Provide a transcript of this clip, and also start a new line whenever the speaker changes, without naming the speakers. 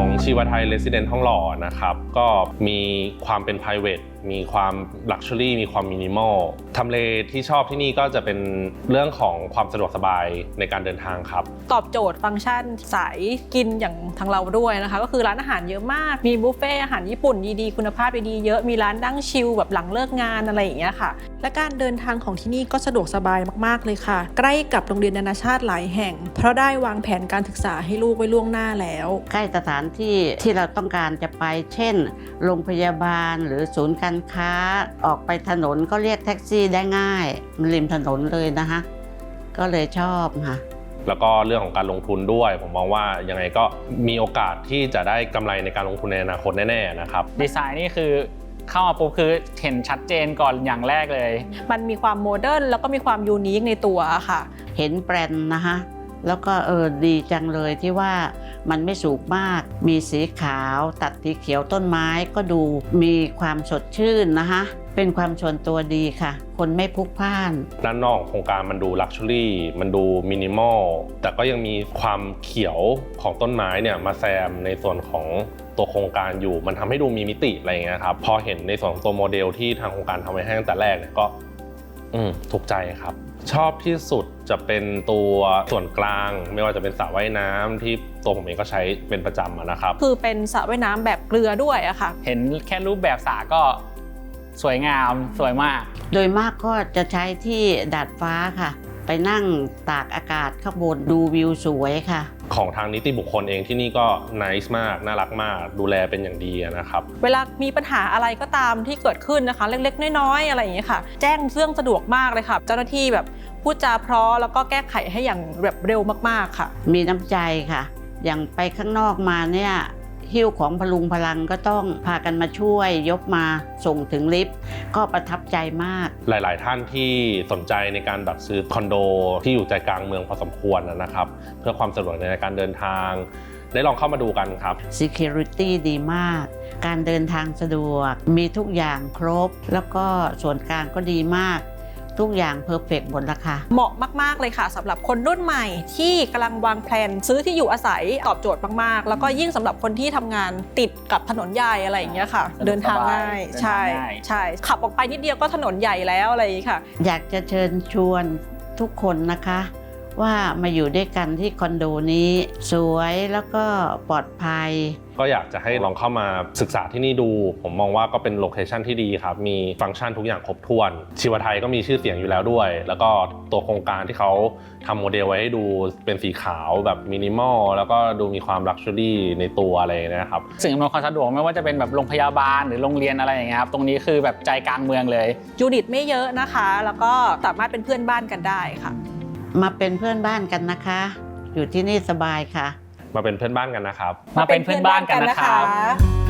ของชีวไทย Residence ทองหล่อนะครับก็มีความเป็น private มีความ luxury มีความ minimal ทำเลที่ชอบที่นี่ก็จะเป็นเรื่องของความสะดวกสบายในการเดินทางครับ
ตอบโจทย์ฟังก์ชันสายกินอย่างทางเราด้วยนะคะก็คือร้านอาหารเยอะมากมีบุฟเฟ่อาหารญี่ปุ่นดีๆคุณภาพดีๆเยอะมีร้านนั่งชิลแบบหลังเลิกงานอะไรอย่างเงี้ยค่ะและการเดินทางของที่นี่ก็สะดวกสบายมากๆเลยค่ะใกล้กับโรงเรียนนานาชาติหลายแห่งเพราะได้วางแผนการศึกษาให้ลูกไว้ล่วงหน้าแล้ว
ใกล้สถานที่ที่เราต้องการจะไปเช่นโรงพยาบาลหรือศูนย์การค้าออกไปถนนก็เรียกแท็กซี่ได้ง่ายมันริมถนนเลยนะคะก็เลยชอบค่ะ
แล้วก็เรื่องของการลงทุนด้วยผมมองว่ายังไงก็มีโอกาสที่จะได้กำไรในการลงทุนในอนาคตแน่ๆนะครับ
ดีไซน์นี่คือเข้ามาปุ๊บคือเห็นชัดเจนก่อนอย่างแรกเลย
มันมีความโมเดิร์นแล้วก็มีความยูนิคในตัวค่ะ
เห็นแบรนด์นะคะแล้วก็ดีจังเลยที่ว่ามันไม่สูงมากมีสีขาวตัดสีเขียวต้นไม้ก็ดูมีความสดชื่นนะคะเป็นความชวนตัวดีค่ะคนไม่พลุกพล่าน
ด้านนอกโครงการมันดูลักชัวรี่มันดูมินิมอลแต่ก็ยังมีความเขียวของต้นไม้เนี่ยมาแซมในส่วนของตัวโครงการอยู่มันทำให้ดูมีมิติอะไรอย่างเงี้ยครับพอเห็นในส่วนของตัวโมเดลที่ทางโครงการทำไว้ให้ตั้งแต่แรกเนี่ยก็ถูกใจครับชอบที่สุดจะเป็นตัวส่วนกลางไม่ว่าจะเป็นสระว่ายน้ำที่ตัวผมเองก็ใช้เป็นประจำนะครับ
คือเป็นสระว่ายน้ำแบบเกลือด้วยอะค่ะ
เห็นแค่รูปแบบสระก็สวยงามสวยมาก
โดยมากก็จะใช้ที่ดาดฟ้าค่ะไปนั่งตากอากาศข้างบนดูวิวสวยค่ะ
ของทางนิติบุคคลเองที่นี่ก็นิสมากน่ารักมากดูแลเป็นอย่างดีนะครับ
เวลามีปัญหาอะไรก็ตามที่เกิดขึ้นนะคะเล็กๆน้อยๆอะไรอย่างเงี้ยค่ะแจ้งเรื่องสะดวกมากเลยค่ะเจ้าหน้าที่แบบพูดจาเพราะแล้วก็แก้ไขให้อย่างแบบเร็วมากๆค่ะ
มีน้ำใจค่ะอย่างไปข้างนอกมาเนี่ยหิ้วของพลุงพลังก็ต้องพากันมาช่วยยกมาส่งถึงลิฟต์ก็ประทับใจมาก
หลายๆท่านที่สนใจในการแบบซื้อคอนโดที่อยู่ใจกลางเมืองพอสมควรนะครับเพื่อความสะดวกในการเดินทางได้ลองเข้ามาดูกันครับ
Security ดีมากการเดินทางสะดวกมีทุกอย่างครบแล้วก็ส่วนกลางก็ดีมากทุกอย่างเพอร์เฟกต์หมดราคา
เหมาะมากๆเลยค่ะสำหรับคนรุ่นใหม่ที่กำลังวางแผนซื้อที่อยู่อาศัยตอบโจทย์มากๆแล้วก็ยิ่งสำหรับคนที่ทำงานติดกับถนนใหญ่อะไรอย่างเงี้ยค่ะเดินทางง่ายใช่ขับออกไปนิดเดียวก็ถนนใหญ่แล้วอะไรอย่างเงี้ยค่ะ
อยากจะเชิญชวนทุกคนนะคะว่ามาอยู่ด้วยกันที่คอนโดนี้สวยแล้วก็ปลอดภัย
ก็อยากจะให้ลองเข้ามาศึกษาที่นี่ดูผมมองว่าก็เป็นโลเคชั่นที่ดีครับมีฟังก์ชันทุกอย่างครบถ้วนชีวไทยก็มีชื่อเสียงอยู่แล้วด้วยแล้วก็ตัวโครงการที่เขาทำโมเดลไว้ให้ดูเป็นสีขาวแบบมินิมอลแล้วก็ดูมีความลักชัวรี่ในตัวอะไรนะครับ
สิ่งอำนวยความสะดวกไม่ว่าจะเป็นแบบโรงพยาบาลหรือโรงเรียนอะไรอย่างเงี้ยครับตรงนี้คือแบบใจกลางเมืองเลย
ยูนิตไม่เยอะนะคะแล้วก็สามารถเป็นเพื่อนบ้านกันได้ค่ะ
มาเป็นเพื่อนบ้านกันนะคะอยู่ที่นี่สบายค่ะ
มาเป็นเพื่อนบ้านกันนะครับ
มาเป็นเพื่อนบ้านกันนะครับ